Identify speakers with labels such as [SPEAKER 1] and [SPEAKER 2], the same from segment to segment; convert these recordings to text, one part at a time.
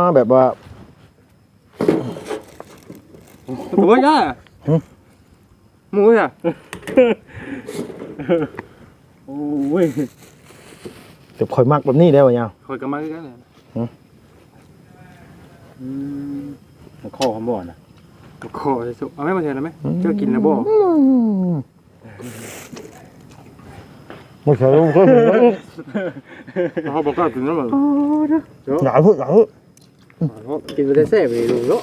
[SPEAKER 1] แบบว่า
[SPEAKER 2] หมูย่าหมูย่าโอ้ย
[SPEAKER 1] แต่ข่อยมักแบบนี้ได้บ่ยาว
[SPEAKER 2] คอยกำมาด้วยกันเลยมันข้อคำบ่อนนะข้อจะสุเอาไม่มาเชิญนะไหมเจ้ากินนะบ่
[SPEAKER 1] ไม่ใช่ลูก
[SPEAKER 2] เขาบอกว่ากินแล้วมั้ง
[SPEAKER 1] อย่าพูด
[SPEAKER 2] กินไปได้แซ่บเลยลูกเนาะ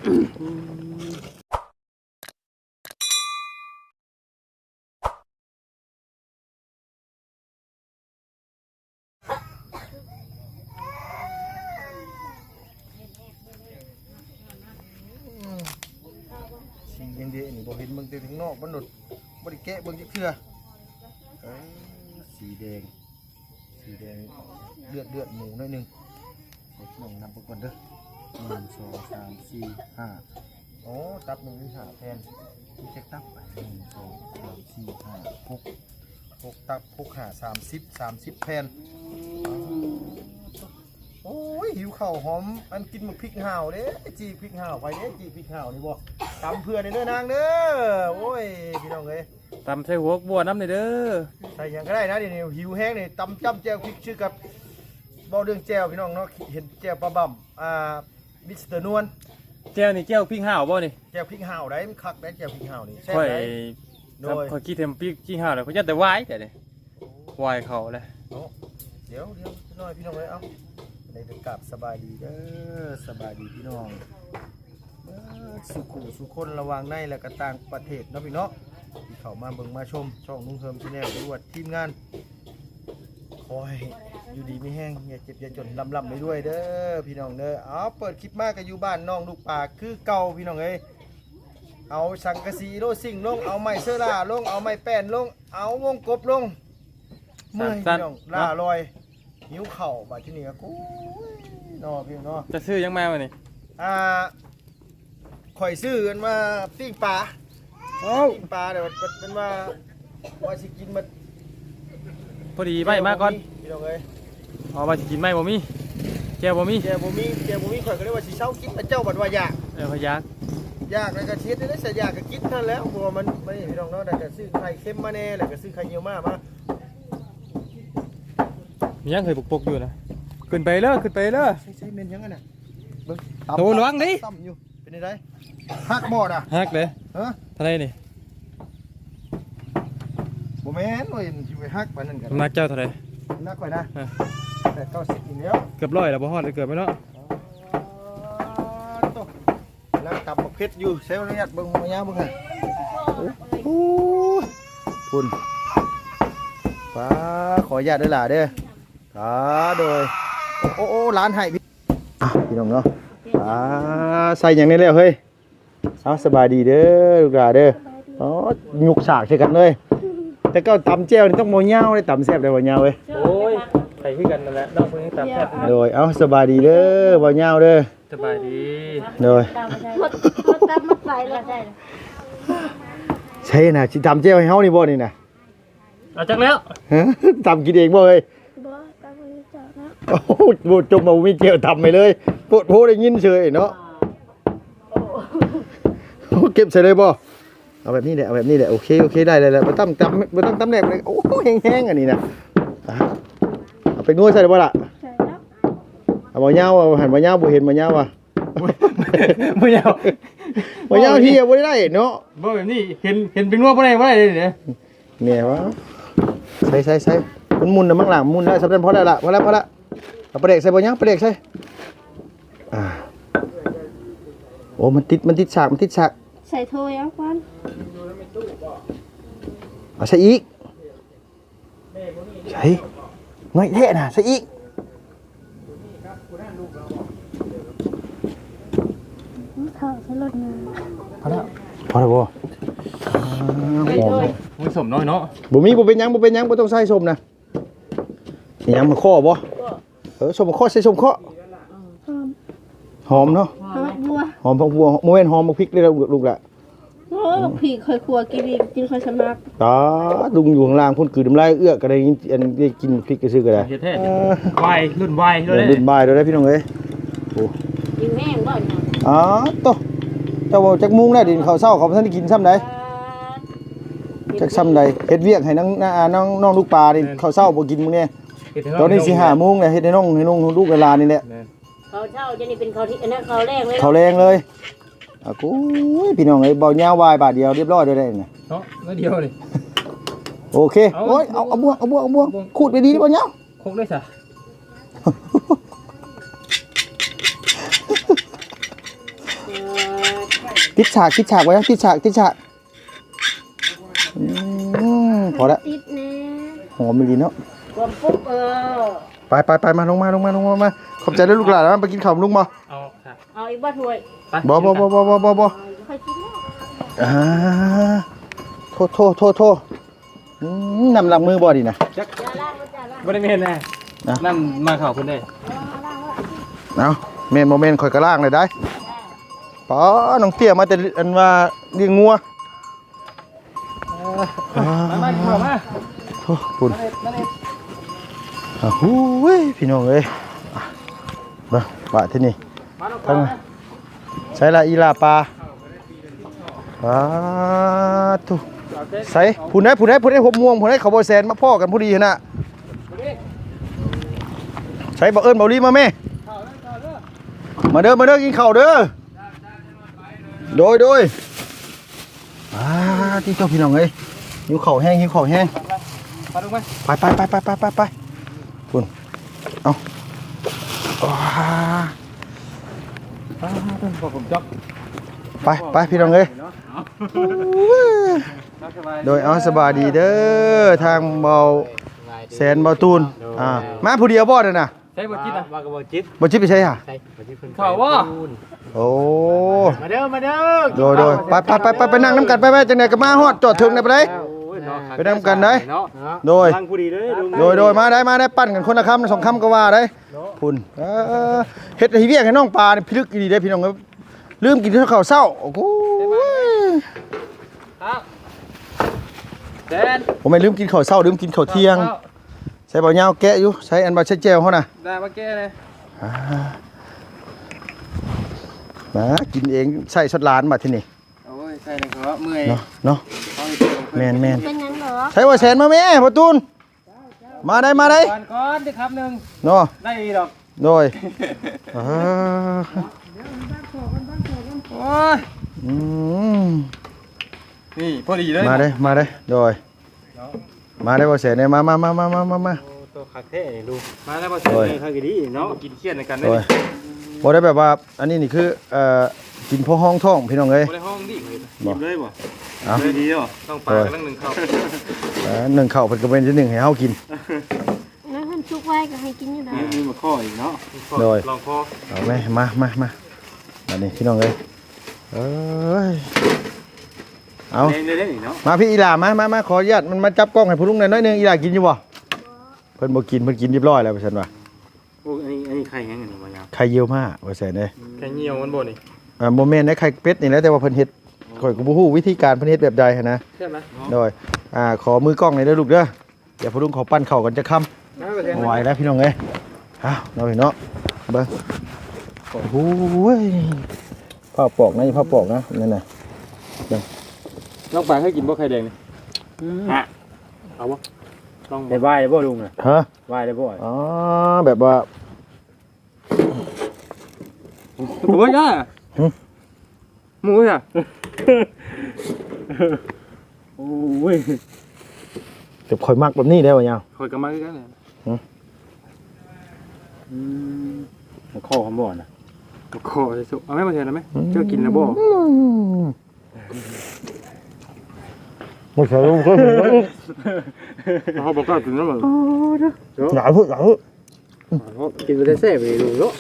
[SPEAKER 1] สียังดีนี่บ่เห็นเบิ่งแต่ถึงนอกมันหนดบ่ได้แกะเบิ่งจักเทื่อสีแดงเลือดหมูหน่อยนึงลองนับเบิ่งก่อนเด้อ1 2 3 4 5โอ้ตับ1มี5แผ่นมีจักตับ1 2 3 4 5 6ตับ6 5 30แผ่นโอ้ยหิวข้าวหอมอันกินหมึกพริกห่าวเด้จีพริกห่าวไปเด้จีพริกห่าวนี่บ่ตำเพื่อนเด้อนางเด้อโอ้ยพี่น้องเอ้ย
[SPEAKER 2] ตำใส่หัวบัวน้ำเลยเด้อ
[SPEAKER 1] ใส่ยังก็ได้นะเดี๋ยวนี้หิวแห้งนี่ตำจ้ำแจ่วพริกชื่อกับเบาเรื่องแจ่วพี่น้องเนาะเห็นแจ่วปลาบ่ำมิสเตอร์นวล
[SPEAKER 2] แก้วนี่แก้วพริกห่าวบ่นี่
[SPEAKER 1] แจ่วพริกห่าวได้มันคักได้แจ่วพริกห่าวนี่แซ่บ
[SPEAKER 2] ได้
[SPEAKER 1] โดย
[SPEAKER 2] คอยคิดเทมพริกห่าวเลยเขาจะแต่วายแต่เนี่ยวายเขาเลย
[SPEAKER 1] เดี๋ยวน้อยพี่น้องเอ้ยเอ้าในเป็นกลับสบายดีเด้อสบายดีพี่น้องสุคนระวังในและก็ต่างประเทศเนาะพี่เนาะที่เข้ามาเบิ่งมาชมช่องนุ่งเฮิมชาแนลด้วยทีมงานคอยอยู่ดีไม่แห้งอย่าเจ็บอย่าจนลำไปด้วยเด้อพี่น้องเด้อเอาเปิดคลิปมากกับอยู่บ้านน้องลูกป่าคือเก่าพี่น้องเอ้ยเอาสังกะสีโลสิ่งลงเอาไม้เสื้อล่าลงเอาไม้แป้นลงเอาวงกบลงเมื่อยพี่น้องล่าลอยหิวเข่าบาดที่นี่ก็กูนอพี่น้อง
[SPEAKER 2] จะซื้อยังแม่มานี่
[SPEAKER 1] ข่อยซื้อกันมาปิ้งปลาปิ้งปลาเดี๋ยวเป็นว่าสิกินมา
[SPEAKER 2] พอดีใบมากก่อน
[SPEAKER 1] พี่น้องเอ้ย
[SPEAKER 2] ว่าสิกินไหมบ่มีแก้วบ่มี
[SPEAKER 1] ข่อยก็เลยว่าสิเช้ากินแต่เจ้าบัดว่าอยาก
[SPEAKER 2] พยาก
[SPEAKER 1] แล้วก็เช็ดได้ใส่ยากก็กินเท่าแล้วบัวมันไม่พี่น้องเนาะแต่ก็ซื้อไข่เค็มมาแน่แล้วก็ซื้อไข่เยี่ยวมา
[SPEAKER 2] มียังเคยปกอยู่นะขึ้นไปเลย
[SPEAKER 1] ใช่เมนยังไงน่ะ
[SPEAKER 2] โตระวังดิ
[SPEAKER 1] ต่ำอยู่เป็นไงฮักบอดอ่ะ
[SPEAKER 2] ฮักเลยทะเลนี่
[SPEAKER 1] บ่แม่นว่าอยู่ไปฮักปานนั้นกัน
[SPEAKER 2] นักเจ้าทะเล
[SPEAKER 1] นักไว้นะแต่90อีกแล้ว
[SPEAKER 2] เกือบ100แล้วบ่ฮอดเลยเกือบไปเนาะ
[SPEAKER 1] แล้วตับเพชรอยู่เซลล์เนี่ยเบิ่งมายาวเบิ่งให้โอ้คุณป้าขออนุญาตด้วยล่ะเด้อโดยโอ้ร้านให้พี่น้องเนาะใส่อย่างนี้แล้วเฮ้ยเอาสบายดีเด้อลูกหลานเด้อยุกฉากใช่กันเลยแต่ก็ตำแจ่วนี่ต้องโมเงาเลยตำแซ่บได้บ่เงาเว้ย
[SPEAKER 2] โอ้ยใส่ขึ้นกันนั่นแหละนอกมือตำแซ่บ
[SPEAKER 1] โดยเอาสบายดีเด้อบ่เงาเด้อ
[SPEAKER 2] สบายดี
[SPEAKER 1] โดย
[SPEAKER 3] ตำมาใส่แล้วได้
[SPEAKER 1] ใช่น่ะสิตำแจ่วให้เฮานี่บ่นี่น่ะ
[SPEAKER 2] เอาจักแล้ว
[SPEAKER 1] ตำกินเองบ่เอ้ย
[SPEAKER 3] บ่ตำมือจับนะ
[SPEAKER 1] โอ้โหจมบ่มีแจ่วตำไปเลยปวดโพได้ยินเฉยเนาะเก็บใส่เลยบ่เอาแบบนี้แหละโอเคได้เลยบ่ต้องตำแหลกเลยโอ้แห้งๆอันนี้นะเอาไปนวดใส่ได้บ่ล่ะ
[SPEAKER 3] ใช่แล้ว
[SPEAKER 1] เอาบ่ยาวหันบ่ยาวบ่เห็นบ่ยาวว่ะ
[SPEAKER 2] บ่ยาว
[SPEAKER 1] เฮียบ่ได้เนาะ
[SPEAKER 2] บ่แบบนี้เห็นเป็นนวดบ่ได้เลยเนี่ย
[SPEAKER 1] แม่ว่าใส่มันมุนน่ะมั่งหลังมุนได้สำเร็จพอแล้วล่ะพอแล้วเอาปลาเด็กใส่บ่ยาวปลาเด็กใส่โอ้มันติดฉาก
[SPEAKER 3] ใส่ถ้วยเอาก่อน
[SPEAKER 1] เอาใส่อีกใส่น้อยแท้น่ะใส่อีก
[SPEAKER 3] ข้าวใส่รสนึง
[SPEAKER 1] พอแล้วบ่
[SPEAKER 2] มีสมน้อยเนาะ
[SPEAKER 1] บ่เป็นหยังบ่ต้องใส่ส้มนะยังมาข้อบ่ส้มข้อใส่ส้มข้อหอมเนาะหอมบัวโมเมนหอมบักพริกเลยลูกละ
[SPEAKER 3] โอ้บักพริกเคยครัวกินค่อยสมัก
[SPEAKER 1] ลุงอยู่ข้างล่างพ่นคือน้ำลายเอื้อก็ได้กินพริกก็ซื้อก็ได้
[SPEAKER 2] วายรุ่นวาย
[SPEAKER 1] ด้วยพี่น้องเอ้ยโอ้
[SPEAKER 4] กินแห้งบ่เนี่ย
[SPEAKER 1] อ๋อโตเจ้าบ่จักมุงได้ดินข้าวเช้าเขาบ่ทันได้กินซ้ำใดจักซ้ำใดเฮ็ดเวียกให้น้องลูกปลานี่ข้าวเช้าบ่กินมื้อนี้ตอนนี้สิ5 โมงแล้วเฮ็ดให้น้องลูกเวลานี่แหละ
[SPEAKER 4] เขาเช่าจะนี่เป็นเขาที่อันนั้นเขาแรกเลย
[SPEAKER 1] เขาแรงเลยอ่ะกูพี่น้องเอ้ยเบายาววายบาทเดียวเรียบร้อยด้วยได้น่ะ
[SPEAKER 2] เนาะแล้วเดียวนี่
[SPEAKER 1] โอเคโอ้ยเอาบ่วงขูดไปดีบ่ยาว
[SPEAKER 2] คงได้ซะ
[SPEAKER 1] ติดฉากไว้นะติดฉากพอละ
[SPEAKER 3] ติดแน่
[SPEAKER 1] หอมดีเนาะ
[SPEAKER 4] ความปุ๊บ
[SPEAKER 1] ไปมาลงมาขอบใจด้วยลูกหลานนะไปกินข้าวลุงบ่
[SPEAKER 2] เอาค่ะ
[SPEAKER 4] เอาอีกบ้าถ้วย
[SPEAKER 2] ไป
[SPEAKER 1] บ่
[SPEAKER 3] ค่อยกินแล้ว
[SPEAKER 1] อ่าโทษนำหลังมือบ่ดีนะ
[SPEAKER 2] จัก
[SPEAKER 4] อย่าล่างอย่าล่าง
[SPEAKER 2] บ่ได้แม่นแน่นั่นมาเข้าเพิ่นได้
[SPEAKER 1] เอาเมนโมเมนต์ข่อยกระล่างเลยได้ป๋อน้องเตี้ยมาแต่อันว่าเลี้ยงงัว
[SPEAKER 2] มาเข้ามา
[SPEAKER 1] โอ้คุณหูยพี่น้องเอ้ยมาว่าที่นี่
[SPEAKER 2] มาลง
[SPEAKER 1] ทั้งใส่ละอีลาปลาทุใส่ผู้ใดหบม่วงผู้ใดเขาบ่แซนมาพ่อกันพอดีหั่นน่ะใส่บ่เอิ้นบ่ลีมาแม่มาเด้อกินข้าวเด้อโดยที่เจ้าพี่น้องเอ้ยหิวข้าวแห้ง
[SPEAKER 2] มาลงมา
[SPEAKER 1] ไปคุณเอา
[SPEAKER 2] ผมจับ
[SPEAKER 1] ไปพี่น้องเอ้ยโดยเอาสบายดีเด้อทางเบาแสนเบาตูนมาผู้เดียวบ่เด้อน่ะ
[SPEAKER 2] ใช้บ่จิตนะว่ากระบ่จิต
[SPEAKER 1] บ่จิตไปใช่ห่ะ
[SPEAKER 2] ใช่บ่จิตเพิ่นเข้าว่า
[SPEAKER 1] โอ้
[SPEAKER 2] มาเด้อ
[SPEAKER 1] โดยไปนั่งน้ำกันไปจังได๋ก็มาฮอดจอดถึงได้ไปได้ไปนำกันได้โดย
[SPEAKER 2] ทางผู้ดีเด้อ
[SPEAKER 1] โดยมาได้ปั้นกันคนละคำ2 คำก็ว่าได้คุณเฮ็ดให้เวียกให้น้องปลานี่พิลึกดีได้พี่น้องเอ้ยลืมกินข้าวเช้าโอ้โห
[SPEAKER 2] ครับแซน
[SPEAKER 1] ผมไม่ลืมกินข้าวเช้าลืมกินข้าวเที่ยงใส่เบาเหยาวแกะอยู่ใส่อันบาเช็ดแจวเขาน่ะ
[SPEAKER 2] ได้มาแก้เลย
[SPEAKER 1] มากินเองใส่ชดร้านมาที่นี่
[SPEAKER 2] โอ้ยใช่เลยครับเมื่อย
[SPEAKER 1] เนาะ
[SPEAKER 2] เอาอีกที
[SPEAKER 1] แมน
[SPEAKER 3] เป็นหยังเหรอ
[SPEAKER 1] ใส่ว่าแสนมาแม่ประตูนมาได้
[SPEAKER 2] ก่อนดิครับหนึ่ง
[SPEAKER 1] เนาะ
[SPEAKER 2] ได้อีกดอก
[SPEAKER 1] โดย
[SPEAKER 2] โอ้ย
[SPEAKER 1] อืม
[SPEAKER 2] นี่พอดีเลย
[SPEAKER 1] มาได้โดยมาได้ว่าแสนเนี่ยมา
[SPEAKER 2] ตัวขาเท่ดูมาแล้วพอเสร็จเลยครับดีเนาะกินเครียดในกันได้
[SPEAKER 1] โดยบ่ได้แบบว่าอันนี้นี่คือกินพอห้องท้องพี่น้องเอ้ย
[SPEAKER 2] ในห้องดิหยิบเลยบ่
[SPEAKER 1] เอา
[SPEAKER 2] เลยดีเหรอต้องปลากันหนึ่งเข้า
[SPEAKER 1] หนึ่งข้าวเพิ่นก็เป็นที่หนึ่งให้เฮากิน
[SPEAKER 3] แล้วท่านชุกไว้ก็ให้กินอยู่นะ
[SPEAKER 2] มีมาข้ออีกเนาะลองข้อ
[SPEAKER 1] เอาไหมมาอันนี้พี่น้องเอ้ยเอ้ยเอา
[SPEAKER 2] เล่นอีกเนาะ
[SPEAKER 1] มาพี่อีหล่ามาขออนุญาตมันมาจับกล้องให้ผู้ลุงหน่อยน้อยหนึงอีหล่ากินอยู่บ่เพิ่นบ่กินเพิ่นกินเรียบร้อยแล้วว่าซั่นว่า
[SPEAKER 2] โอ้อันนี้ไข่แห้งอันนี้มายาว
[SPEAKER 1] ไข่เยี่ยวมาว่าซั่นเด้
[SPEAKER 2] ไข่เหี่ยวมันบ่นี่
[SPEAKER 1] บ่แม่นได้ไข่เป็ดนี่แหละแต่ว่าเพิ่นเฮ็ดข่อยก็บ่ฮู้วิธีการเพิ่นเฮ็ดแบบใดหันนะ
[SPEAKER 2] ใช่ไหม
[SPEAKER 1] โดยขอมือกล้องหน่อยเด้อลูกเด้อเดี๋ยวผู้ลุงขอปั้นข้าวกันจะค่ำไหวแล้วพี่น้องเอ้ยเอ้าเนาะพี่เนาะเบิ่งโอ้โหผ้าปอกนะผ้าปอกนะนั่นน่ะ
[SPEAKER 2] น้องปลาเคยกินบ่ไข่แดงนี่ฮะเอาบ่ลองได้ไหว้บ่ลุงน่ะ
[SPEAKER 1] ฮะ
[SPEAKER 2] ไหว้ได้บ่
[SPEAKER 1] อ๋อแบบว่า
[SPEAKER 2] โอ้ยอ่ะหมูอ่ะโอ้ย
[SPEAKER 1] เดี๋ยวคอยมักแบบนี้ได้ป่ะยัง
[SPEAKER 2] คอยกันมาคือกันเลยข้อคำบ่อนะข้อจะสุเอาไม่มาเทนแล้วไหมเจ้ากินแล้วบ่
[SPEAKER 1] ไม่ใช่ลูกก็เห็นว่า
[SPEAKER 2] เขาบอกว่ากินแล้วมั้ง
[SPEAKER 1] หนาวพึ่ง
[SPEAKER 2] กินไปได้แซ่บเลยดูเนาะ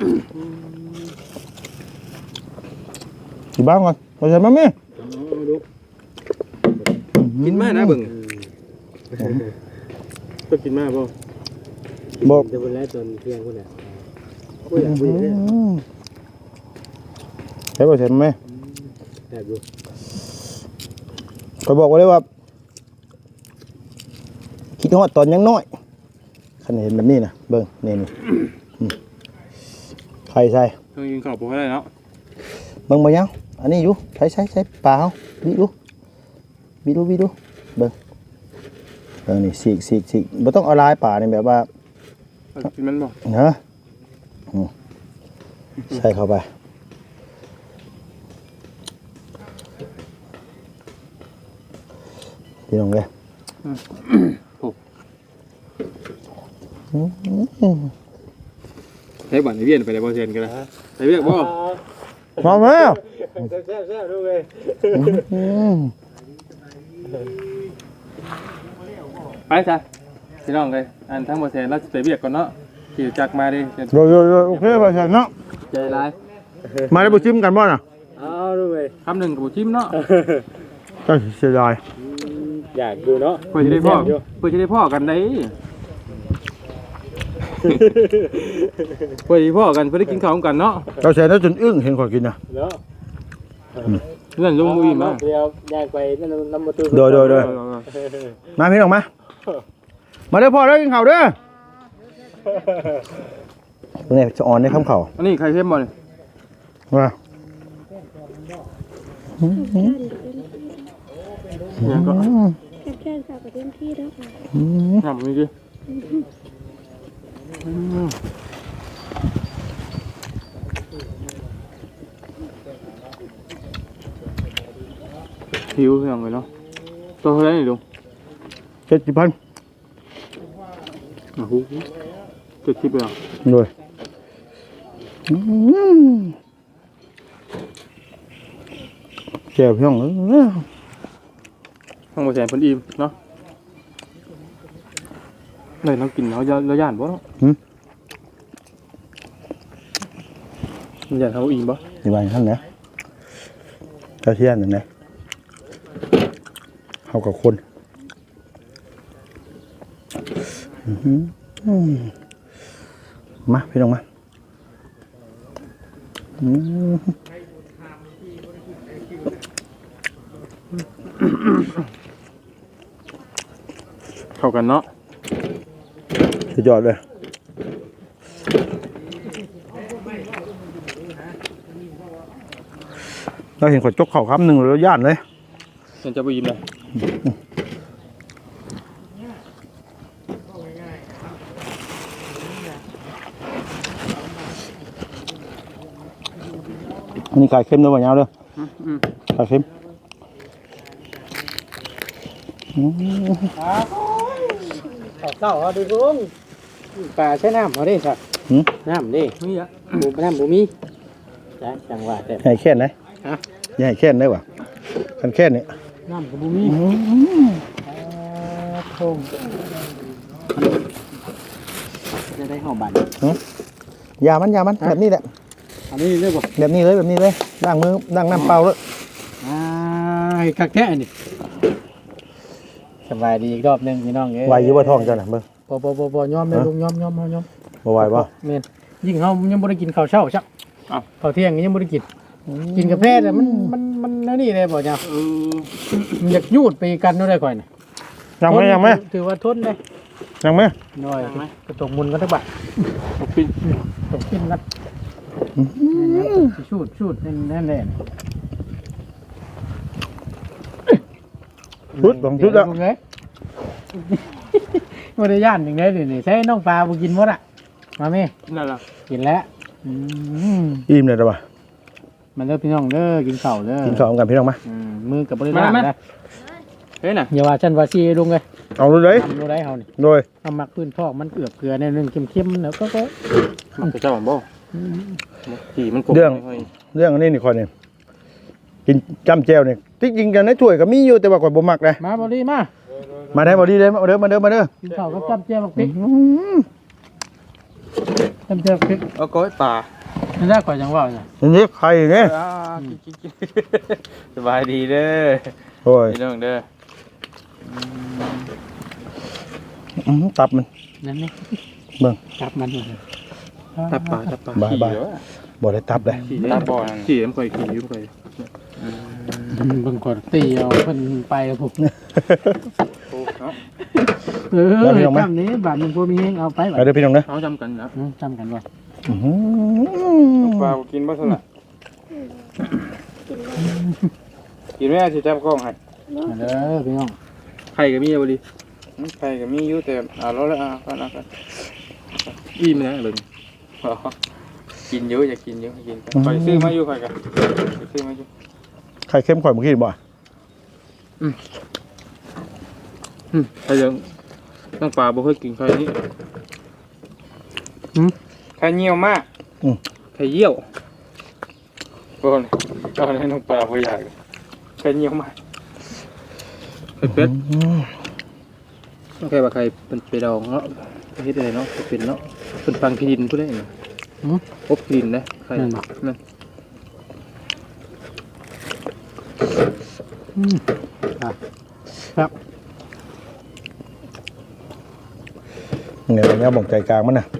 [SPEAKER 1] กี่บ้างก่อนไม่ใช่มั้ยแม่
[SPEAKER 2] กินมากนะเบิ่งก็กินมากบ่
[SPEAKER 1] บอก
[SPEAKER 2] จะเป็นแล้วจนเที่ยงคนเนี่ย
[SPEAKER 1] ใช่ป่ะใช่ไหม
[SPEAKER 2] แซ่บดู
[SPEAKER 1] คอยบอกไว้เลยว่าคิดฮอดตอนยังน้อยคันเห็นแบบนี้นะเบิ่งนี่ไข่ใส่
[SPEAKER 2] เครื่องยิงข้าวบ่ได้เนาะ
[SPEAKER 1] เบิ่งบ่ยังอันนี้อยู่ใช้ปลาเฮาบิดูเบิ่งนี่สีกบ่ต้องเอาลายปลานี่แบบว่า
[SPEAKER 2] กินมันบ่
[SPEAKER 1] เนาะใส่เข้าไปพี่น้องเอ้ย
[SPEAKER 2] ใช้บัตรในเวียนไปได้บ่เซนกันนะไปเวียกบ่
[SPEAKER 1] พร้อมแล้ว
[SPEAKER 2] แซ่บๆดูเลยไปจ้ะพี่น้องเลยอันทั้งบ่เซนเราสิไปเวียกก่อนเนาะขี่จักรมาดิ
[SPEAKER 1] โยโอเคไปเนาะ
[SPEAKER 2] ใจร้าย
[SPEAKER 1] มาได้บ่ชิมกันบ่น่ะ
[SPEAKER 2] เอาดูเลยคำหนึ่งกับบ่ชิมเนาะ
[SPEAKER 1] ก็เสียดาย
[SPEAKER 2] อยากดูเนาะเพื่อจะได้พ่อกันได้เพื่อจะพ่อกันเพื่อได้กินข้าวกันเนาะ
[SPEAKER 1] เราแช่แล้วจนอึ้งเห็นข่อยกินน่ะ
[SPEAKER 2] เนาะเรื่องลุงมุ้ยมาเดี๋ยวอยากไปนั่นน้ำประตู
[SPEAKER 1] โดยมาพี่น้องมาเด้อพ่อเด้อกินข้าวเด้อเนี่ยจะอ่อนได้คำเข่า
[SPEAKER 2] อันนี้ใครเข้มบ่เนี่ย
[SPEAKER 1] ว่า
[SPEAKER 2] ยังก็
[SPEAKER 3] แค่ฝากกับเต็มที่แล้วค่ะ
[SPEAKER 2] ทำนี่ดิหิวเพียงเลยเนาะตัวเท่าไหร่นี่ลุง
[SPEAKER 1] 70,000
[SPEAKER 2] โอ้โห70เลยอ่ะ
[SPEAKER 1] โดยแก้วพี่น้อง
[SPEAKER 2] ทั้งหมดแสนเพิ่นอิ่มเนาะเลยเรากินเราย่านบ่เนาะย่านเขาอิ่มบ่
[SPEAKER 1] นี่บ้านท่านนะเจ้าเที่ยนนั่นนะเฮากับคนมาพี่น้องมา
[SPEAKER 2] เข้ากันเนาะ
[SPEAKER 1] สุดยอดเลยเราเห็นคนจกเข่าคำหนึ่งแล้วย่านเลย
[SPEAKER 2] เห็นจะไปยิ้มเลย
[SPEAKER 1] อันนี้ไก่เค็มด้วยป่ะยาวเด้อไก่เค็ม
[SPEAKER 5] เจ้าเอาดูลุงปลาใช้น้ำเขาได้สักน้ำดิ
[SPEAKER 2] นี่อ่ะ
[SPEAKER 5] น้ำบุมีจ้ะจังหวะแต่
[SPEAKER 1] ใหญ่แค่ไหนใหญ่แค่ไหนวะกันแค่นี้
[SPEAKER 5] น้ำกับบุมีทงจะได้ห่อบัตร
[SPEAKER 1] ยามันแบบนี้แหละ
[SPEAKER 5] อันนี้เรียกว่า
[SPEAKER 1] แบบนี้เลยล้างมือล้างน้ำเปล่าเลย
[SPEAKER 5] คักแท้นี่สบายดีอีกรอบหนึ่งพี่น้องเอ้ย
[SPEAKER 1] ไหวอยู่ว่าท้องเจ้าน่ะเบิ่ง
[SPEAKER 5] พอย้อมเลยลุงย้อม
[SPEAKER 1] บ่ไหวป่ะ
[SPEAKER 5] เมนยิ่งเขายังไม่ได้กินข้าวเช้าชักข้าวเที่ยงยังไม่ได้กินกาแฟแต่มันนี่เลยบอกจ้ามันอยากยูดไปกันนู่นได้ก่อนนะ
[SPEAKER 1] ยังไหม
[SPEAKER 5] ถือว่าทนได้
[SPEAKER 1] ยังไหม
[SPEAKER 5] น้อยกระตกมุนกันทั้งบัด
[SPEAKER 2] ปิ้น
[SPEAKER 5] ตกขึ้นกันชูดนั่นแหละ
[SPEAKER 1] ชุดสองชุดแล้ว
[SPEAKER 5] บริยานอย่างไรนี่ใช้น้องปลาบุกินหมดอ่ะมาไหม
[SPEAKER 2] นั่นล่ะ
[SPEAKER 5] กินแล้ว
[SPEAKER 1] อิ่มเลยหรอวะ
[SPEAKER 5] มันเลิกพี่น้องเด้อกินข้าวเด้อ
[SPEAKER 1] กินข้าวกันพี่น้องมา
[SPEAKER 5] มือกับบริยานนะ
[SPEAKER 2] เฮ้ยน่ะ
[SPEAKER 5] อย่าว่าฉันว่าซีลุงเลย
[SPEAKER 1] เอาเลย
[SPEAKER 5] ทำดูได้เฮานี่
[SPEAKER 1] โดย
[SPEAKER 5] เอามักพื้นพอกมันเกลือเกลือในนึงเข้มๆแล้วก็
[SPEAKER 2] มันจะเจ้าบ่ขี่มันกบ
[SPEAKER 1] เรื่องอันนี้นี่คอยนี่กินจ้ำแจ่วนี่ที่จริงกันในถ้วยก็มีอยู่แต่ว่าก่อนบ่มักเลย
[SPEAKER 5] มาบริมา
[SPEAKER 1] มาได้บ่ดีเลยมาเด้อ
[SPEAKER 5] กินข้าวกับจับเจียวบักพริกจับเจียวบักพริก
[SPEAKER 2] เอาก้อยป่า
[SPEAKER 5] นั่นได้ก่อนจังว่าเนี่ย
[SPEAKER 1] นี่ไข่เนี่ย
[SPEAKER 2] กินสบายดีเด้อ
[SPEAKER 1] โอ้ย
[SPEAKER 2] พี่น้องเด้อ
[SPEAKER 1] ตับมัน
[SPEAKER 5] นั่นนี่
[SPEAKER 1] เบิ่ง
[SPEAKER 5] จับมัน
[SPEAKER 2] ตับป่า
[SPEAKER 1] บายบ่ได้ตับเลย
[SPEAKER 2] ตับบ่อขี่มันค่อยขี่ยุ่งค่อย
[SPEAKER 5] บางคนตีเอาเพิ่นไปผม
[SPEAKER 2] เนาะ
[SPEAKER 5] จำนี้บาทหนึ่งพวกมีเอาไป
[SPEAKER 1] ไปเด้อพี่น้องเด้อ
[SPEAKER 2] เขาจำกันนะ
[SPEAKER 5] จำกันว่า
[SPEAKER 2] ปลากินบ่เท่าไหร่กินแม่สิจับกล้องให้
[SPEAKER 5] เด้อพี่น้อง
[SPEAKER 2] ไข่ก็มีบ่ดิไข่ก็มีอยู่แต่แล้วกันอิ่มนะเลยกินเยอะอย่ากินเยอะกินไปซื้อมาอยู่ไข่กันซื้อมาอยู่
[SPEAKER 1] ไข่เค็มข่อยเมื่อกี้บ่
[SPEAKER 2] ไข่ยังต้องปลาบ่เคยกินไข่นี้ไข่เยี่ยวมากไข่เยี่ยวก่อนให้น้องปลาบ่อยากไข่เยี่ยวมากไข่เป็ดโอเคว่าไข่เป็นไปดองเนาะเฮ็ดอะไรเนาะเป็นเนาะเป็นฟังพิดินผู้ได้เนาะอบพิดินนะไข่นั่น
[SPEAKER 5] ครับ
[SPEAKER 1] เนี่ยบ่งใจกลางมันน่ะ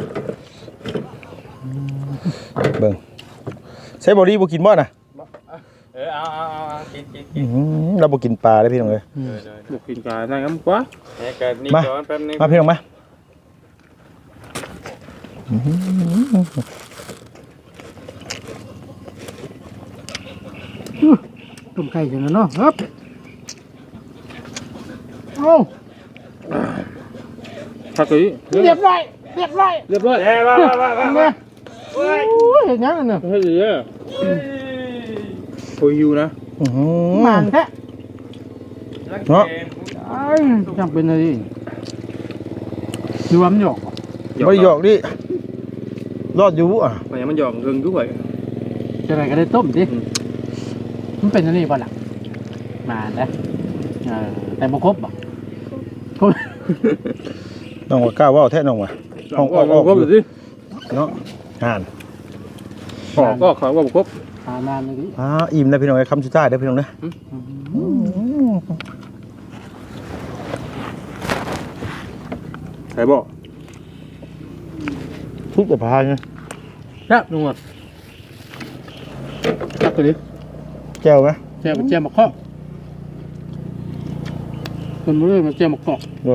[SPEAKER 1] เบิ่งใช้บอดี้บ่กินบ่น่ะ
[SPEAKER 2] เอากิน
[SPEAKER 1] เราบ่กินปลาได้พี่น้องเอ้ย
[SPEAKER 2] บุกกินปลาได้งั้นกว่านี่ก่อนแป๊บนึง
[SPEAKER 1] มาพี่น้องมา
[SPEAKER 5] ต้มไก่จังเนาะครับโอ้
[SPEAKER 2] ทักเลย
[SPEAKER 5] เรียบร้อย
[SPEAKER 2] เรียบร้อยมา
[SPEAKER 5] เนี่ยโอ้ยเห็นยังเนี่ย
[SPEAKER 2] เฮ้ยเยอะโอ้ยหิวนะ
[SPEAKER 5] มันแท้
[SPEAKER 1] เนาะ
[SPEAKER 5] จังเป็นอะไรดูว่ามันหยอก
[SPEAKER 1] บ่ได้หยอกดิรอดอยู่อ่ะ
[SPEAKER 2] มันหยอกเงินด้วย
[SPEAKER 5] จะอะไรก็ได้ต้มดิมันเป็นอะไรบ้างล่ะมาได้แต่บ่ครบบ่ครบ
[SPEAKER 1] น้องว่ากล้าว่าแท้น้องว่ะ
[SPEAKER 2] ครบสิ
[SPEAKER 1] เนาะห่าน
[SPEAKER 2] ก็ขอว่าครบ
[SPEAKER 5] นานเลยดิ
[SPEAKER 1] อิ่มนะพี่น้องไอ้คำสุดท้ายเด้อพี่น้องนะ
[SPEAKER 2] ใครบอก
[SPEAKER 1] ทุกแต่พายไง
[SPEAKER 5] ครับลุงหมดครับตัวนี้
[SPEAKER 1] แก้วไหม
[SPEAKER 5] แจมมาข้อคนมือมันแจมมาข้อ
[SPEAKER 1] ด้วย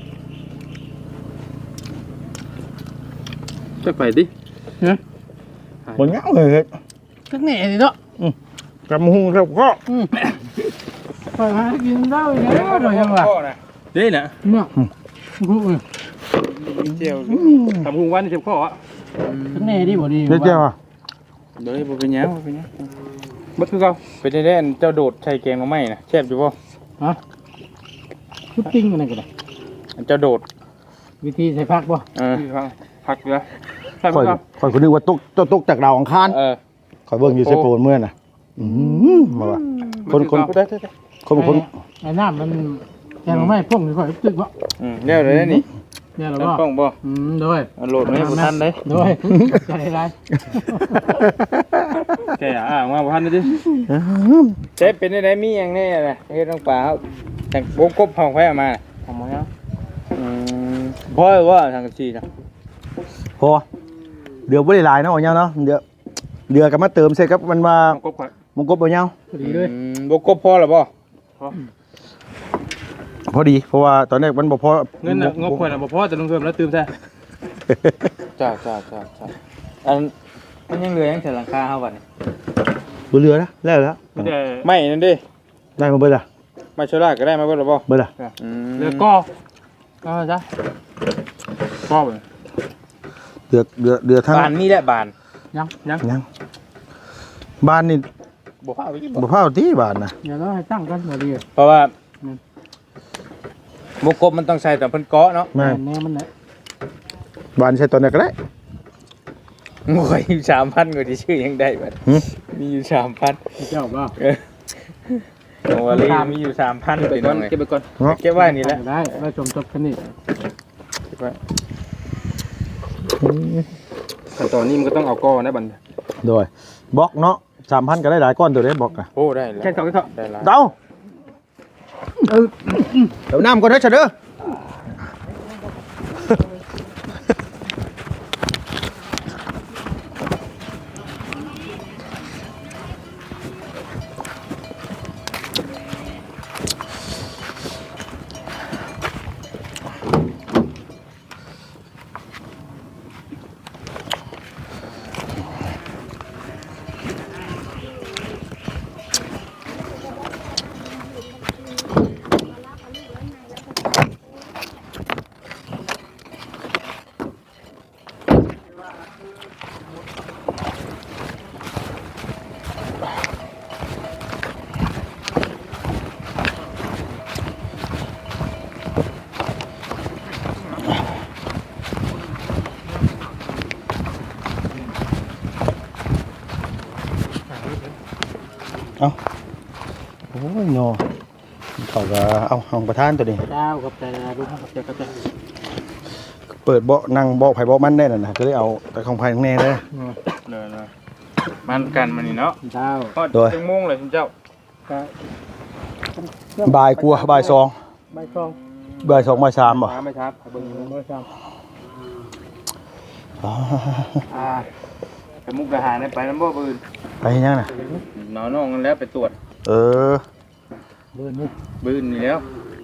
[SPEAKER 2] จะไปดิ
[SPEAKER 5] เนี่ย
[SPEAKER 1] บนเงาเลย
[SPEAKER 5] สักแหน่ดิเนาะ
[SPEAKER 1] กำหูครับก็
[SPEAKER 5] ไปหากินได้เนี่ยหน่อยยังวะ
[SPEAKER 2] นี่นะ
[SPEAKER 5] เมื่อกู
[SPEAKER 2] เจียวทำหุงวันเจ็บข้ออ่ะ
[SPEAKER 5] สักแหน่ดิบ่ดี
[SPEAKER 1] เจ๊อ่ะ
[SPEAKER 2] เดี๋ยวบ่เป็นยังบัดคือเก่าเป็นได้เจ้าโดดใส่แกงมาไหมนะแซ่บอยู่ป่ะ
[SPEAKER 5] ฮะชุดติ้งอะไรกันล่ะ
[SPEAKER 2] เจ้าโดด
[SPEAKER 5] วิธีใส่ผักบ่
[SPEAKER 2] ผักเหรอ
[SPEAKER 1] ข่อยคนนึกว่าตกจากดาวอังคารข่อยเบิ่งอยู่เซโปนเมื่อน่ะมาว่ะคน
[SPEAKER 5] ไอ้น้ำมันแกงไม่พ่งค่อยตึกบ่
[SPEAKER 2] เดี๋ยวเลยนี่
[SPEAKER 5] เนี่ยหรอ
[SPEAKER 2] ป้องบ่
[SPEAKER 5] ด้วย
[SPEAKER 2] โหลดไม่ให้ทันเลย
[SPEAKER 5] ด้วยใจไร
[SPEAKER 2] แกมาทันดิเจ๊เป็นได้มีอย่างนี้นะเฮ็ดน้องปลาเขาแต่งกบห้องไฟมาทำไมอ่ะพ่อว่าทางชีนะ
[SPEAKER 1] พอเดือบ่ได้หลายเนาะเนาะเดือกับมาเติมใส่กับมันว่ามงกบบ่ยาว
[SPEAKER 5] ดีเลย
[SPEAKER 2] บกบพอหรือบ่
[SPEAKER 1] พอดีเพราะว่าตอนแรกมันบ่พอ
[SPEAKER 2] เงินงบข่อยน่ะบ่พอจะลงเพิ่มแล้วตื่มแท้จ้าอันมันยังเหลือยังแต่หลังคาเฮาบัดนี่
[SPEAKER 1] บ่เหลือแล้วแล้ว
[SPEAKER 2] ไม่นั่นดิ
[SPEAKER 1] ได้มาเบิดล่ะ
[SPEAKER 2] มาโชล่าก็ได้มาเบิดหรือบ่
[SPEAKER 1] เบิดล่ะ
[SPEAKER 2] เหลือก็จ้ะก็บ่
[SPEAKER 1] เดือทั้ง
[SPEAKER 2] บานมีแหละบาน
[SPEAKER 5] ยัง
[SPEAKER 1] บ้านนี่
[SPEAKER 2] บ่พาไปกิน
[SPEAKER 1] บ่พาที่บ้านน่ะ
[SPEAKER 5] เดี๋ยวเราให้ตั้งกันบ่ดี
[SPEAKER 2] เพราะว่าบกบมันต้องใส่แต่เพิ่นเกาะเนาะ
[SPEAKER 1] แม่
[SPEAKER 5] แน่มันแหละ
[SPEAKER 1] บ้านใช้ตอนไหนก็ได้
[SPEAKER 2] โอ้ย 3,000 ก็สิชื่อยังได้บัดมีอยู่ 3,000
[SPEAKER 5] เจ้าบ่
[SPEAKER 2] โอ้ลีมีอยู่ 3,000ไปก่อนเก็บไปก่อนเก็บไว้นี่แหละ
[SPEAKER 5] ได้แล้วจมจบกันนี่
[SPEAKER 2] ขั้นตอนนี้มันก็ต้องเอาก้อนะบัด
[SPEAKER 1] โดยบล็อกเนาะ 3,000ก็ได้หลายก้อนตัวเด้บล็อกอ่ะ
[SPEAKER 2] โอ้ได้แล้วแค่เท่าได้แล้ว
[SPEAKER 1] เดาเดี๋ยวน้ำก่อนเด้อเฉยเด้อเอาโอ้ยเนาะเขาก็เอาห้องประธานตัวนี้
[SPEAKER 5] เจ้ากับแต่ลูกกับแต่กับแต่
[SPEAKER 1] เปิดเบาะนั่งเบาะไผเบาะมันได้น่ะนะก็เลยเอาแต่ของภายข้างในเลย
[SPEAKER 2] เลยมันกันมันนี่เนาะ
[SPEAKER 5] เจ้า
[SPEAKER 2] ก็จังโมงเลยคุณเจ้า
[SPEAKER 5] ก็
[SPEAKER 1] บ่ายกลัวบ่ายสอง
[SPEAKER 5] ใบคลอง
[SPEAKER 1] บ่ายสองบ่ายสามบ่
[SPEAKER 2] ไม่ครับเบิ่ง
[SPEAKER 5] ใบคลอง
[SPEAKER 1] อ๋อ
[SPEAKER 2] ไปมุกดาหารไปน้ำบ่ปืน
[SPEAKER 1] ไปเฮ็ดยังน่ะ
[SPEAKER 2] น้องกันแล้วไปตรวจ
[SPEAKER 1] เออ
[SPEAKER 5] เบิ่นนี่
[SPEAKER 2] ปืนนี่แล้ว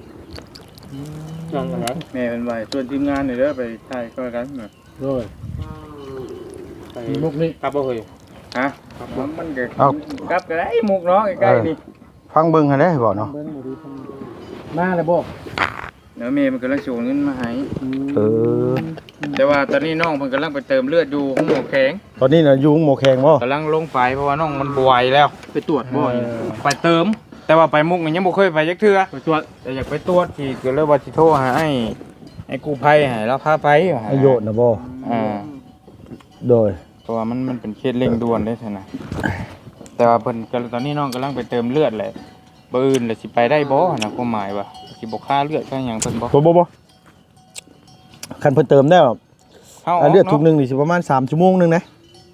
[SPEAKER 5] จังกันไหน
[SPEAKER 2] แม่เป็นไว้ส่วนทีมงานนี่เด้อไปถ่ายก็กันน่ะ
[SPEAKER 5] โดยมีมุกนี่
[SPEAKER 2] กลับบ่เฮ้ยฮะมันก็
[SPEAKER 1] เอา
[SPEAKER 2] กลับก็ได้มุกเนาะใกล้ๆนี่
[SPEAKER 1] ฟังเบิ่งหั่นเด้บ่เนาะ
[SPEAKER 5] เบิ่งบ่ดีมาแล้วบ่
[SPEAKER 2] เดี๋ยวแม่มันกำลังโชว์เงินมาให้
[SPEAKER 1] เออ
[SPEAKER 2] แต่ว่าตอนนี้น้องเพิ่นกำลังไปเติมเลือดอยู่ห้องหมอแข็ง
[SPEAKER 1] ตอนนี้น่ะอยู่หมอแข็งบ่
[SPEAKER 2] กำลังลงไปเพราะว่าน้องมันบวยแล้ว ไปตรวจบ่อยไปเติม แต่ว่าไปมุกนี่ยังบ่เคยไปจักเทื่อไปตรวจแต่อยากไปตรวจที่ก็เลยว่าสิโทรหาไอ้กู้ภัยให้เราพาไป
[SPEAKER 1] ประโยชน์น่ะบ่ โดย
[SPEAKER 2] เพราะว่ามันเป็นเคสเร่งด่วนได้ซั่นน่ะแต่ว่าเพิ่นก็ตอนนี้น้องกำลังไปเติมเลือดแหละบ่อื่นแล้วสิไปได้บ่นะความหมายว่าสิบ่ค่าเลือดค่าหยังเพิ่นบ่
[SPEAKER 1] บ่คันเพิ่นเติมได้เลือดถุงนึงนี่สิประมาณ3ชั่วโมงนึงนะ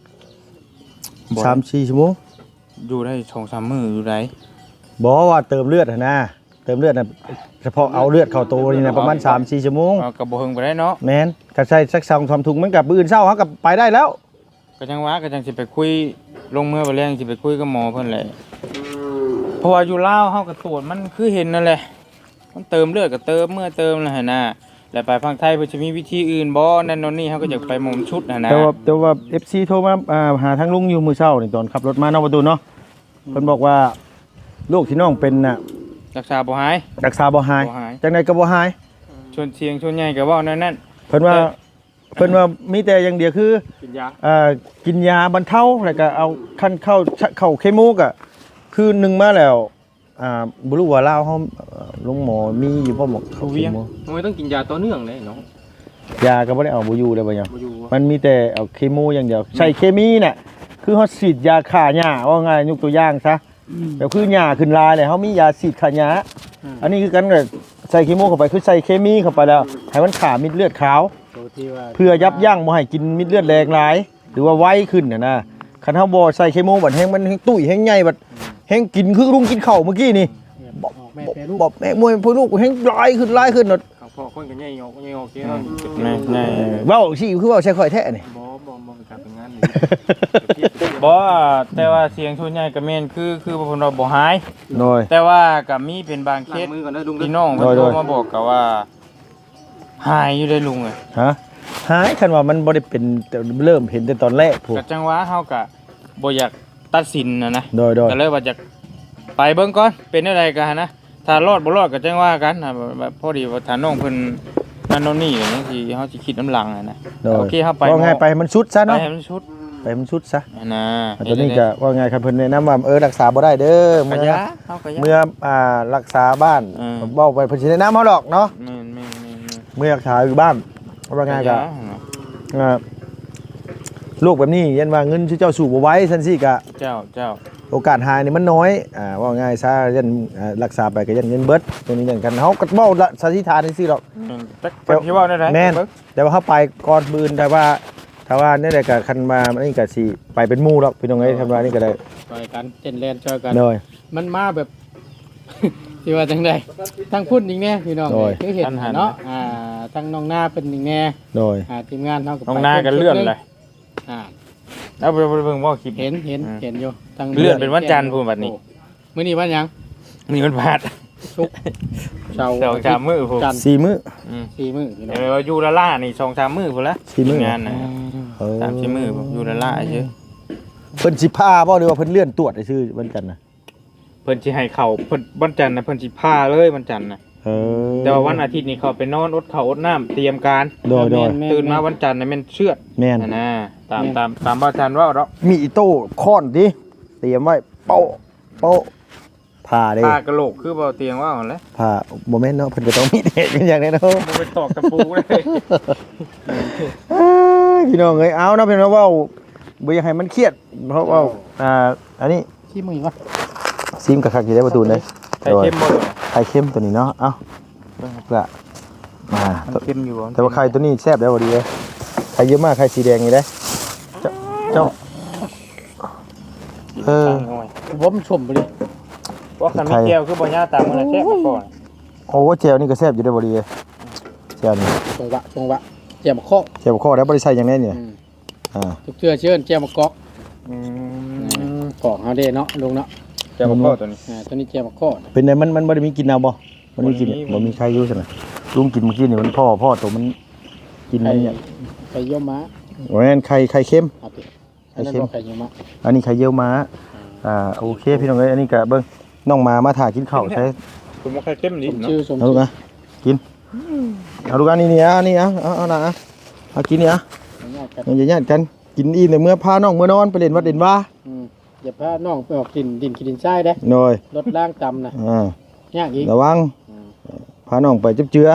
[SPEAKER 1] 3-4ชั่วโมง
[SPEAKER 2] อยู่ได้ 2-3 มื้ออยู่ได้
[SPEAKER 1] บ่ว่าเติมเลือดนะเติมเลือดน่ะเฉพาะเอาเลือดเข้าตัวนี่นะประมาณ 3-4 ชั่วโมง
[SPEAKER 2] ก็บ่เฮิงไปได้เนาะ
[SPEAKER 1] แม่นก็ใส่สัก2-3ถุงมันก็มื้ออื่นเช้าเฮาก็ไปได้แล้ว
[SPEAKER 2] ก็จังว่าก็จังสิไปคุยลงมือไปแรงสิไปคุยกับหมอเพิ่นแหละเพราะว่าอยู่ลาวเฮาก็ตรวจมันคือเห็นนั่นแหละมันเติมเลือดก็เติมเมื่อเติมนั่นหั่นน่ะแล้วไปฝั่งไทยเพิ่นจะมีวิธีอื่นบ่นั่นโน่นนี่เฮาก็อยากไปหม่อมชุดหั่นน่ะ
[SPEAKER 1] แต่ว่า FC โทรมาหาทางลุงอยู่มื้อเช้านี่ตอนขับรถมานอกประตูเนาะเพิ่นบอกว่าโรคที่น้องเป็นน่ะ
[SPEAKER 2] รักษาบ่หาย
[SPEAKER 1] รักษาบ่หาย
[SPEAKER 2] บ่หาย
[SPEAKER 1] จังได๋ก็บ่หาย
[SPEAKER 2] ชวนเชียงชวนใหญ่ก็เว้านั่น
[SPEAKER 1] เพิ่นว่ามีแต่อย่างเดียวคือ
[SPEAKER 2] กินยา
[SPEAKER 1] กินยาบรรเทาแล้วก็เอาคันเข้าเคมีกอ่ะคือหนึงมาแล้วบ่รู้ว่าลาวเฮาลุงหมอมีอยู่บ่หมอ
[SPEAKER 2] เขาเวียงมันต้องกินยาต่อเนื่องเลยเนาะ
[SPEAKER 1] ยาก็บ่ได้เอาบ่อยู่เลยบ่หยัง
[SPEAKER 2] บ่อยู่
[SPEAKER 1] มันมีแต่เอาเคมีอย่างเดียวใช้เคมีน่ะคือเฮาฉีดยาฆ่าหญ้าว่าง่ายยกตัวอย่างซะแบบคือหญ้าขึ้นลายเลยเฮามียาฉีดฆ่าหญ้าอันนี้คือกันก็ใส่เคมีเข้าไปคือใส่เคมีเข้าไปแล้วให้มันฆ่าเม็ดเลือดขาว
[SPEAKER 5] ตัวที่ว่า
[SPEAKER 1] เพื่อยับยั้งบ่ให้กินเม็ดเลือดแรงหลายหรือว่าไวขึ้นน่ะนะคันเฮาบ่ใส่เคมีบัดแฮงมันแฮงตุ้ยแฮงใหญ่บัดแฮงกินคือลุงกินข้าวเมื่อกี้นี่
[SPEAKER 5] บอกแม่แปรรูป
[SPEAKER 1] บอกแม่มวยพ่อลูกแฮงหลายขึ้นเนาะ
[SPEAKER 2] ข้างพ่อคนก็ใหญ่ออกเนาะแน่
[SPEAKER 1] เว้าสิคือเว้าใส่ข่อยแท้นี่
[SPEAKER 2] บ่เป็นการเป็นงานบ่แต่ว่าเสียงชวนใหญ่ก็แม่นคือเพิ่นว่าบ่หาย
[SPEAKER 1] โดย
[SPEAKER 2] แต่ว่าก็มีเป็นบางเคสพี่น้องเพิ่นโทรมาบอกก็ว่าหายอยู่ได้ลุงเอ้ย
[SPEAKER 1] ฮะหายคันว่ามันบ่ได้เป็นแต่เริ่มเห็นแต่ตอนแรกพูด
[SPEAKER 2] ก็จังว่าเฮาก็บ่อยากตัดสินนะ
[SPEAKER 1] โดย
[SPEAKER 2] ก็เลยว่าอยากไปเบิ่งก่อนเป็นอะไรกันนะถ้ารอดบ่รอดก็จังว่ากันนะแบบพอดีว่าถ้าน้องเพิ่นนั่นโน่นนี่อย่างนี้สิเฮาสิคิดน้ำหลังนะ
[SPEAKER 1] โดย
[SPEAKER 2] โอเคเฮาไป
[SPEAKER 1] ว่าไงไปให้มันสุดซะ
[SPEAKER 2] ไป
[SPEAKER 1] เนาะ
[SPEAKER 2] ให้มันชุด
[SPEAKER 1] ไปให้มันสุดซะ
[SPEAKER 2] นะ
[SPEAKER 1] ตอนนี้ก็ว่าไงครับเพิ่นแนะนำว่ารักษาบ่ได้เด้อ
[SPEAKER 2] เมื่
[SPEAKER 1] เมื่
[SPEAKER 2] อ
[SPEAKER 1] อ
[SPEAKER 2] เฮาก็ยะ
[SPEAKER 1] เมื่อรักษาบ้าน เว้าไปเพิ่นสิแนะนำเฮาดอกเนาะ
[SPEAKER 2] แม่น
[SPEAKER 1] เมื่อรักษาอยู่บ้านว่าไงก็โรคแบบนี้ยันว่าเงินที่เจ้าสู่บ่ไหว้ซั่นสิก็
[SPEAKER 2] เจ้า
[SPEAKER 1] โอกาสหายนี่มันน้อยว่าง่ายซะยันรักษาไปก็ยันเงินเบิดตัวนี้อย่างกันเฮาก็เว้าละสันนิษฐานจังซี่ดอก
[SPEAKER 2] แต่คนที่ว่าได้ไหน
[SPEAKER 1] แม่น แต่ว่าเฮาไปก่อนมื้อแต่ว่าถ้าว่าเนี่ยได้ก็คันมาอันนี้ก็สิไปเป็นหมู่ดอกพี่น้องเอ้ยทำว่านี่ก็ได้
[SPEAKER 5] ช่วยกันเต้นแล่นช่วยกัน
[SPEAKER 1] โดย
[SPEAKER 5] มันมาแบบ ที่ว่าจังไดทั้งพุ่นอีกแน่พี่น้อง
[SPEAKER 1] โดย
[SPEAKER 5] คือเห็นเนาะทั้งน้องหน้าเป็นอีกแน่
[SPEAKER 1] โดย
[SPEAKER 5] ทีมงานเฮาก็
[SPEAKER 2] น้องหน้ากันเลื่อนเลย
[SPEAKER 5] อ่า
[SPEAKER 2] เอาไปเบิ่งว่าคลิป
[SPEAKER 5] เห็นอยู่ทั้ง
[SPEAKER 2] เลื่อนเป็นวันจันทร์พูดบัดนี้
[SPEAKER 5] มื้อนี้วันหยัง
[SPEAKER 2] นี่มันพลาด
[SPEAKER 5] ศุกร์เสาร์
[SPEAKER 2] 2-3มื้อพูด
[SPEAKER 5] จันทร์
[SPEAKER 1] 4 มื้อ
[SPEAKER 5] 4มื้อพี่น้อง
[SPEAKER 2] เดี๋ยวอยู่ละล่านี่2-3มื้อพุ่นละ
[SPEAKER 1] 4มื้อ
[SPEAKER 2] งานนะ 3-4มื้ออยู่ละล่าซื่อ
[SPEAKER 1] เพิ่นสิพาบ่หรือว่าเพิ่นเลื่อนตรวจซื่อวันจันทร์น่ะ
[SPEAKER 2] เพิ่นสิให้เข้าเพิ่นวันจันทร์น่ะเพิ่นสิพาเลยวันจันทร์น่ะ แต่ว่าวันอาทิตย์นี่เขาไปนอนอดข้าวอดน้ำเตรียมการ
[SPEAKER 1] โดย
[SPEAKER 2] ตื่นมาวันจันทร์น่ะแม่นเชือด
[SPEAKER 1] แม่น
[SPEAKER 2] นะตามบ่อาจารย์ว่าดอก
[SPEAKER 1] มีอีโต้ค้อนดิเตรียมไว้โป๊ะผ่าเด้
[SPEAKER 2] ผ้ากะโหลกคือบ่เตียงว่าหั่นแหละ
[SPEAKER 1] ผ่าบ่แม่นเนาะเพิ่นก็ต้องมีเด็กเป็นอย่างแน่เนาะ
[SPEAKER 2] บ่ไปตอกตะปูเลย
[SPEAKER 1] พี่น้องเอ้ยเอานะพี่น้องเว้าบ่อยากให้มันเครียดเพราะว่าอันนี้
[SPEAKER 5] ที่มื้อวะ
[SPEAKER 1] ซิมกับคักอยู่ได้ประตูเลย
[SPEAKER 2] ไข่เค็มบ่เลย
[SPEAKER 1] ไข่เค็มตัวนี้เนาะเอ้าเพื่อมา
[SPEAKER 2] มันเค็มอยู่บ่
[SPEAKER 1] แต่ว่าไข่ตัวนี้แซ่บได้บ่ดีเลยไข่เยอะมากไข่สีแดงนี่ได้เจ้า
[SPEAKER 5] ผมชมไปเลย
[SPEAKER 2] ว่าคันมีแก้วคือบ่ย่าตามมันแซ่บมาก่อน
[SPEAKER 1] โอ้เจลนี่ก็แซ่บอยู่ได้บ่ดีเลยเจลนี่
[SPEAKER 5] จงวะเจียมข้อ
[SPEAKER 1] เจลข้อแล้วบ่ได้ใส่อย่างแน่นี่อ่า
[SPEAKER 5] ทุกเชื่อเชิญเจียมกอกกอกเฮาเด้เนาะลุงเนาะ
[SPEAKER 2] แก้วข้อตัวนี้
[SPEAKER 5] ตัวนี้เจียมข้อ
[SPEAKER 1] เป็นไงมันบ่ได้มีกินเอาบ่มันมีกินบ่มีใครอยู่ซั่นน่ะลุงกินเมื่อกี้นี่มันพ่อตัวมันกินมันเนี่ย
[SPEAKER 5] ไข่เยี่ยวม้า
[SPEAKER 1] โอ้ยไข่เค็ม
[SPEAKER 5] ครับอันนั้นบ่ไข่เยี่ยวม้า
[SPEAKER 1] อันนี้ไข่เยี่ยวม้าโอเคพี่น้องเอ้ยอันนี้ก็เบิ่งน้องมาถ่ากินข้าวใช่
[SPEAKER 2] ผมว่าไข่เค็มนิดเนาะ
[SPEAKER 5] ชื่อสม
[SPEAKER 1] เอาลูกนะกินเอาลูกอันนี้นี่เอานะเอากินนี่มันจะญาติกันกินอิ่มแต่เมื่อพาน้องเมื่อนอนไปเล่นวัดเด่นว่า
[SPEAKER 5] อย่าพาน้องไปออกดินขี้ดินทรายเด้
[SPEAKER 1] หน่อย
[SPEAKER 5] รถล่างต่ำนะยากอีก
[SPEAKER 1] ระวังพาน้องไปจับเจือ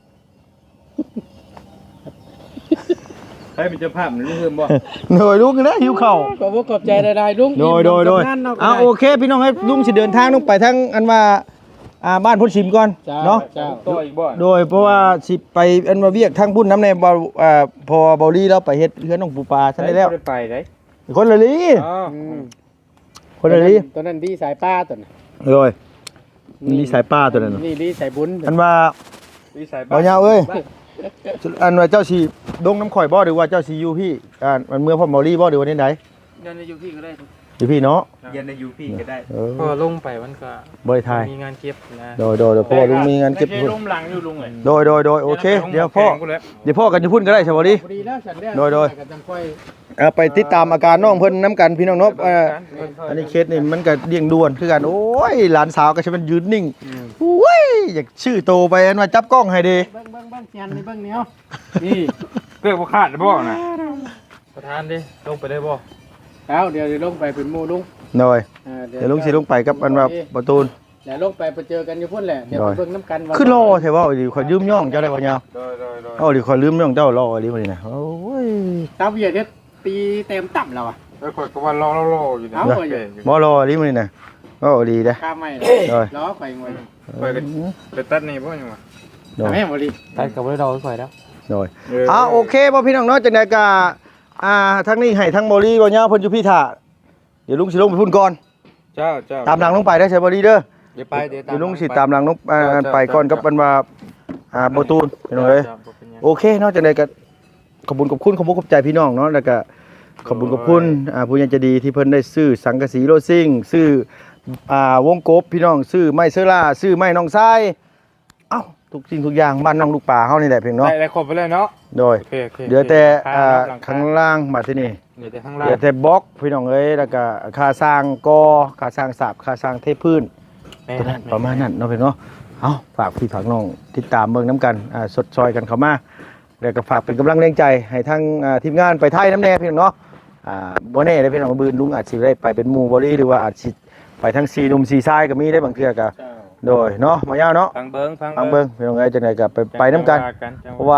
[SPEAKER 2] ให้มีเจ้าภาพมันเพิ่มบ่
[SPEAKER 1] หน่อยลูกนะหิวข้าว
[SPEAKER 5] ขอบใจได้ลุง
[SPEAKER 1] โดยโอเคพี่น้องให้ลุงสิเดินทางลงไปทางอันว่าบ้านพุ่นชิมก่อนเนาะ
[SPEAKER 2] ตัวอีกบ่
[SPEAKER 1] โดยเพราะว่าสิไปอันว่าเวียกทางพุ่นน้ำในบ่พอเบาลี่แล้วไปเฮ็ดเฮือนน้องปูปลาซั่นได้แล้ว
[SPEAKER 2] ไปได้
[SPEAKER 1] คนละลี
[SPEAKER 2] อ๋อ
[SPEAKER 1] คนละลี
[SPEAKER 5] ตัวนั้นดีสายป้าตัวนั้น
[SPEAKER 1] โดยนี่สายป้าตัวนั้น
[SPEAKER 5] นี่ดีสายบุญ
[SPEAKER 1] อันว่า
[SPEAKER 2] วิสัย
[SPEAKER 1] บ่ยาวเอ้ยอันว่าเจ้าสิดงน้ำข่อยบ่หรือว่าเจ้าสิอยู่พี่มันเมื่อพ่อเบาลี่บ่หรือว่าไหน
[SPEAKER 2] ยันในยูพี่ก็ได้
[SPEAKER 1] อยู่พี่เนาะ
[SPEAKER 2] ยันในยูพี่ก็ได้
[SPEAKER 1] เ
[SPEAKER 2] พอลงไปมันก็
[SPEAKER 1] บ่ได้ทาย
[SPEAKER 2] มีงานเก็บนะ
[SPEAKER 1] โดยพ่อลุงมีงานเก็บ
[SPEAKER 2] ไม่
[SPEAKER 1] พุ่น
[SPEAKER 2] ใช่ล้มหลังอยู่ลุงเลย
[SPEAKER 1] โดยโอเคเดี๋ยวพ่อกันอยู่พุ่นก็ได้ใช่บ่ดิ
[SPEAKER 5] พอดีแล้วฉันได้
[SPEAKER 1] โดย
[SPEAKER 5] กันจังค่อย
[SPEAKER 1] ไปติดตามอาการน้องเพิ่นน้ำกันพี่น้องเนาะอันนี้เคสนี่มันก็เดี่ยงด่วนคือกันโอ้ยหลานสาวก็ใช่มันยืนนิ่งโอ้ยอยากชื่อโตไปอันว่าจับกล้องให้เด้
[SPEAKER 5] เบิ้งเซียนนี่เบิ้งเนี้ย
[SPEAKER 2] นี่เพื่อบ่ขาดบ่นะประธานดิลงไปได้บ่
[SPEAKER 5] แล้วเดี๋ยวลงไปเป็นหมู่ลุง
[SPEAKER 1] หน่อยเดี๋ยวลุงสิลงไปกับอันว่าประตูน
[SPEAKER 5] เดี๋ยวลงไปเจอกันอยู่พุ่นแหละเดี๋ยวเบิ้งน้ำกัน
[SPEAKER 1] ขึ้นรอใช่ป่าวดิขอยยืมย่องเจ้าได้ป่ะเนี่ย
[SPEAKER 2] โดย
[SPEAKER 1] เอาดิขอยลืมย่องเจ้ารอดิมาดินะโอ้ย
[SPEAKER 5] ตาเวียดเนี่ยตีเต็มต่ำแล้วอ่ะ
[SPEAKER 2] แล้วข่อยก็ว่ารออยู่นะ
[SPEAKER 1] บ่รอดิมาดินะก็ดีเด้
[SPEAKER 5] ข้าไม่ล้อไฟงวย
[SPEAKER 2] ข่อยก็ไปตัดนี่บ่ยังวะ
[SPEAKER 1] โดย
[SPEAKER 5] แม่บริ
[SPEAKER 2] ตัดกับบ่ได้ดอกข่อยแล้ว
[SPEAKER 1] โดยโอเคบ่พี่น้องเนาะจังได๋ก็ทั้งนี้ให้ทั้งบ่ลี่บ่ยาวเพิ่นอยู่พี่ท่าเดี๋ยวลุงสิลงไปพุ่นก่อน
[SPEAKER 2] เจ้า
[SPEAKER 1] ตามหลังลงไปได้ใช่บ่ลี่เด้อ
[SPEAKER 2] เดี๋ยวไปเดี๋ยว
[SPEAKER 1] เดี๋ยวลุงสิตามหลังลงไปก่อนกับอันว่าประตูนพี่น้องเอ้ยโอเคเนาะจังได๋ก็ขอบคุณขอบใจพี่น้องเนาะแล้วก็ขอบคุณผู้ใหญ่ใจดีที่เพิ่นได้ซื้อสังกะสีโรซิ่งซื้อวงกบพี่น้องซื้อไม้เซอร่าซื้อไม้น้องทรายเอ้าทุกสิ่งทุกอย่างบ้านน้องลูกป่าเฮานี่แหละเพียงเนาะ
[SPEAKER 2] ได้ครบไปเลยเนาะ
[SPEAKER 1] โดย
[SPEAKER 2] โอเค
[SPEAKER 1] เหลือแต่ข้างล่างมาที่นี่
[SPEAKER 2] เหลือแต่ข้าง
[SPEAKER 1] เห
[SPEAKER 2] ล่าง
[SPEAKER 1] ลือแต่บล็อกพี่น้องเอ้ยแล้วก็ค่าสร้างกอค่าสร้างสาบค่าสร้างเทพื้นตัวนั้นประมาณนั้นเนาะพี่เนาะเอาฝากพี่ฝากน้องติดตามเบิ่งน้ำกันสดซอยกันเข้ามาแล้วก็ฝากเป็นกำลังแรงใจให้ทั้งทีมงานไปไทยน้ำแน่พี่น้องเนาะบ่แน่ได้พี่น้องบืนลุงอาจสิได้ไปเป็นหมู่บ่ลี่หรือว่าอาจสิไปทั้ง4หนุ่ม4ชายก็มีได้บางเทื่อก็โดยเนาะมายาวเนาะ
[SPEAKER 2] ฟังเบิ้ง
[SPEAKER 1] พี่น้องเอ้ยจังไดก็ไปน้ำกันเพราะว่า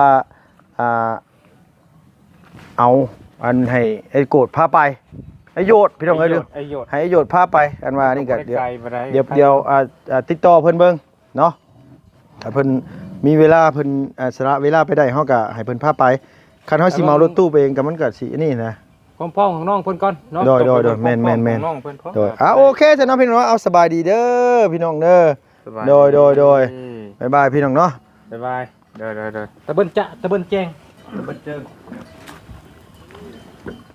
[SPEAKER 1] เอาอันให้ไอ้โกรธพาไปไอ้โยดพี่น้องเอ้ยให้ไอ้โยดพาไปอันว่านี่ก็เดี๋ยวติดต่อเพิ่นเบิ่งเนาะถ้าเพิ่นมีเวลาเพิ่นสละเวลาไปได้เฮาก็ให้เพิ่นพาไปคันเฮาสิเมารถตู้ไปเองก็มันก็สินี่นะ
[SPEAKER 2] ของพ่อของน้องเพิ่นก่อนเนาะ
[SPEAKER 1] โดยแม่น
[SPEAKER 2] น้องเพิ่นพอ
[SPEAKER 1] โดยโอเคจ้ะเนาะพี่น้องเอาสบายดีเด้อพี่น้องเด้อโดยบ๊ายบายพี่น้องเนาะ
[SPEAKER 2] บ๊ายบายเด้อตะเบิ้นจะตะเบิ้นแจ้งตะเบิ้นเจิง